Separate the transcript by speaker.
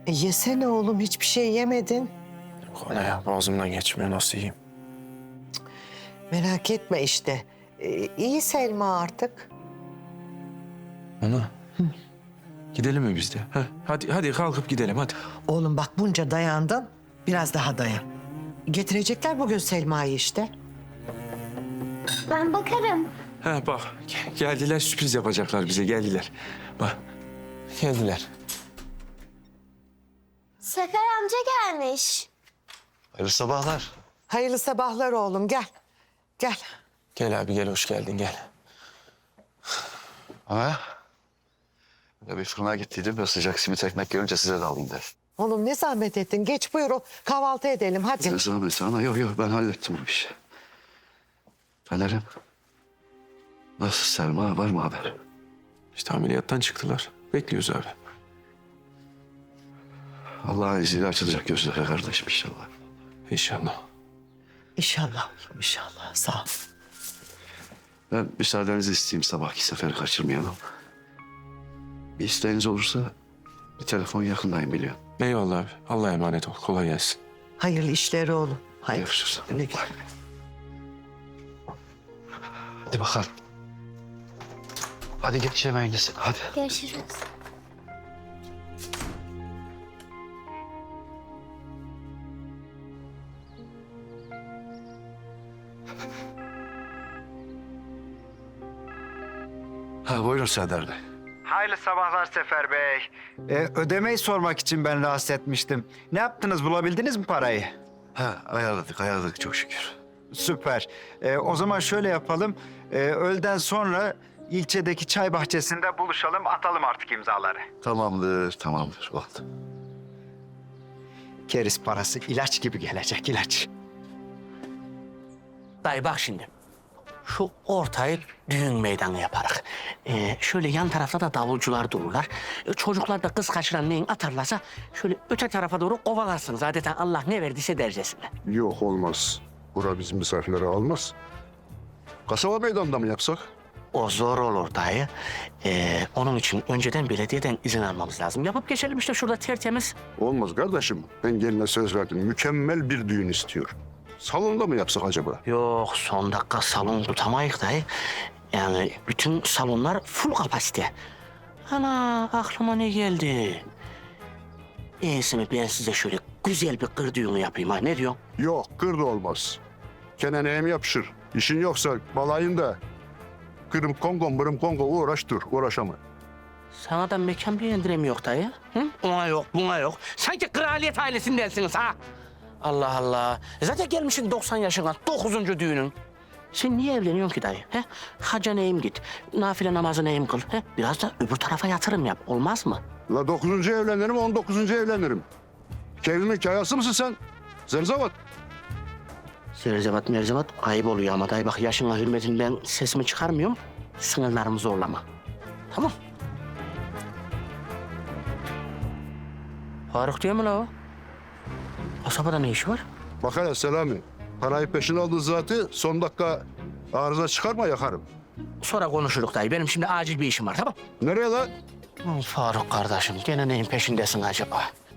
Speaker 1: Yesene oğlum, hiçbir şey yemedin.
Speaker 2: Yok ana ya, boğazımdan geçmiyor, nasıl yiyeyim?
Speaker 1: Merak etme işte. İyi Selma artık.
Speaker 2: Ana. Gidelim mi biz de? Heh, hadi kalkıp gidelim hadi.
Speaker 1: Oğlum bak, bunca dayandın. Biraz daha dayan. Getirecekler bugün Selma'yı işte.
Speaker 3: Ben bakarım.
Speaker 2: Ha bak, geldiler, sürpriz yapacaklar bize, geldiler. Bak, geldiler.
Speaker 3: Sefer amca gelmiş.
Speaker 4: Hayırlı sabahlar.
Speaker 1: Hayırlı sabahlar oğlum, gel. Gel.
Speaker 2: Gel abi, gel, hoş geldin, gel.
Speaker 4: Ha? Ya bir fırına gittiydim ve sıcak simit ekmek görünce size de alayım dedim.
Speaker 1: Oğlum ne zahmet ettin. Geç buyur, kahvaltı edelim hadi.
Speaker 4: Ne zahmet ana? Yok ben hallettim bu işi. Fener'im. Nasıl Selma, var mı haber?
Speaker 2: İşte ameliyattan çıktılar. Bekliyoruz abi.
Speaker 4: Allah'ın izniyle açılacak gözleri kardeşim inşallah.
Speaker 2: İnşallah.
Speaker 1: İnşallah oğlum, inşallah. Sağ ol.
Speaker 4: Ben müsaadenizi isteyeyim, sabahki seferi kaçırmayalım. Bir isteğiniz olursa bir telefon yakındayım biliyorum.
Speaker 2: Eyvallah abi. Allah'a emanet ol. Kolay gelsin.
Speaker 1: Hayırlı işleri oğlum. Hayır.
Speaker 4: Görüşürüz.
Speaker 1: Güle güle.
Speaker 4: Hadi bakalım. Hadi geç yemeğinizi. Hadi.
Speaker 3: Görüşürüz.
Speaker 4: Ha buyurun Serdar Bey.
Speaker 5: Hayırlı sabahlar Sefer Bey. Ödemeyi sormak için ben rahatsız etmiştim. Ne yaptınız, bulabildiniz mi parayı?
Speaker 4: Ha ayarladık çok şükür.
Speaker 5: Süper. O zaman şöyle yapalım. Öğleden sonra ilçedeki çay bahçesinde buluşalım, atalım artık imzaları.
Speaker 4: Tamamdır oldu.
Speaker 5: Keriz parası ilaç gibi gelecek, ilaç.
Speaker 6: Dayı bak şimdi. Şu ortayı düğün meydanı yaparak. Şöyle yan tarafta da davulcular dururlar. Çocuklar da kız kaçıran neyin atarlarsa şöyle öte tarafa doğru kovalarsınız. Adeta Allah ne verdiyse dercesine.
Speaker 7: Yok olmaz. Bura bizim misafirleri almaz.
Speaker 4: Kasaba meydanında mı yapsak?
Speaker 6: O zor olur dayı. Onun için önceden belediyeden izin almamız lazım. Yapıp geçelim işte şurada tertemiz.
Speaker 7: Olmaz kardeşim. Ben geline söz verdim. Mükemmel bir düğün istiyor. Salonda mı yapsak acaba?
Speaker 6: Yok son dakika salon tutamayız dayı. Yani bütün salonlar full kapasite. Ana aklıma ne geldi? İyisi mi ben size şöyle güzel bir kır düğünü yapayım ha, ne diyorsun?
Speaker 7: Yok, kır da olmaz. Kenaneye mi yapışır? İşin yoksa balayında kırım kongo, mırım kongo uğraş dur, uğraşama.
Speaker 6: Sana da mekan beğendiremiyor dayı. Hı? Ona yok, buna yok. Sanki kraliyet ailesindensiniz ha. Allah Allah. Zaten gelmişsin 90 yaşına, 9. düğünün. Sen niye evleniyorsun ki dayı? He? Hacca neyim git, nafile namazı neyim kıl. He? Biraz da öbür tarafa yatırım yap, olmaz mı?
Speaker 7: La 9. evlenirim, 19. evlenirim. Kevimin kayası mısın sen? Zerzavat.
Speaker 6: Zerzevat merzevat ayıp oluyor ama dayı bak yaşına hürmetinden sesimi çıkarmıyorum. Sınırlarımı zorlama. Tamam. Faruk değil mi la o? Kasabada ne işi var?
Speaker 7: Bak hele Selami. Parayı peşin aldın zaten. Son dakika arıza çıkarma yakarım.
Speaker 6: Sonra konuşuruz dayı. Benim şimdi acil bir işim var tamam.
Speaker 7: Nereye la?
Speaker 6: Faruk kardeşim gene neyin peşindesin acaba?